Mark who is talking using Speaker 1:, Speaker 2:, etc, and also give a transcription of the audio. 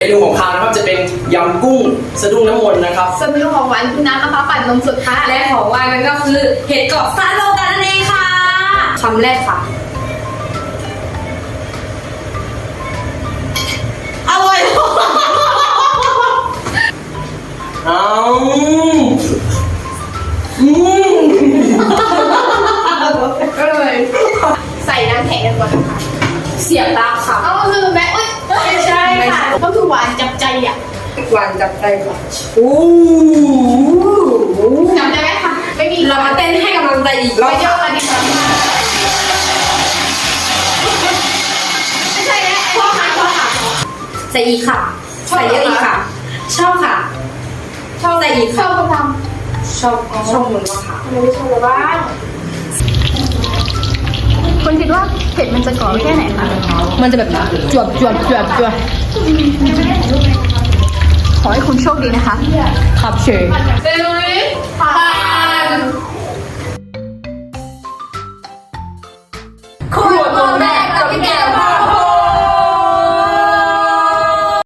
Speaker 1: เมนูของคาวนะครับจะเป็นยำกุ้งสะดุ้งน้ำมนต์นะครับ
Speaker 2: ส่วนเมนูของหวานคือน้ำมะพร้าวปั่นนมสดค่ะ
Speaker 3: และของว่างนั่นก็คือเห็ดกรอบซาโลกันนั่นเองค่ะคำแรกค่ะอร่อย
Speaker 2: ก็เลยใส่น้ำแข็งกันก่อนนะคะ
Speaker 3: เสียบตาค่ะ
Speaker 2: เอาลืมไหมเอ้ยไม่ใช่ค่ะก็คือหวานจับใจอ่ะ
Speaker 3: หวานจับใจค่ะ
Speaker 2: จำได้ไหมคะไม่มี
Speaker 3: เรามาเต้นให้กำลังใจอีกร
Speaker 2: ไป
Speaker 3: อบ
Speaker 2: เยอะกันดีกว่าไม่ใช่แล้วพ่อค่ะ
Speaker 3: ใส่อีกค่ะใส่เยอะอีกค่ะ ชอบค่ะ
Speaker 2: ชอบ
Speaker 3: ใส่อีก
Speaker 2: ชอบคนท
Speaker 3: ชอบเหมือนว่าค่ะ
Speaker 2: ำทำไมไม่ชอบเลยบ้างคุณคิดว่าเผ็ดมันจะก่อแค่ไหนคะ
Speaker 3: มันจะแบบจวบ
Speaker 2: ขอให้คุณโชคดีนะคะ
Speaker 3: ขับเฉย
Speaker 2: เร็วๆผ่าน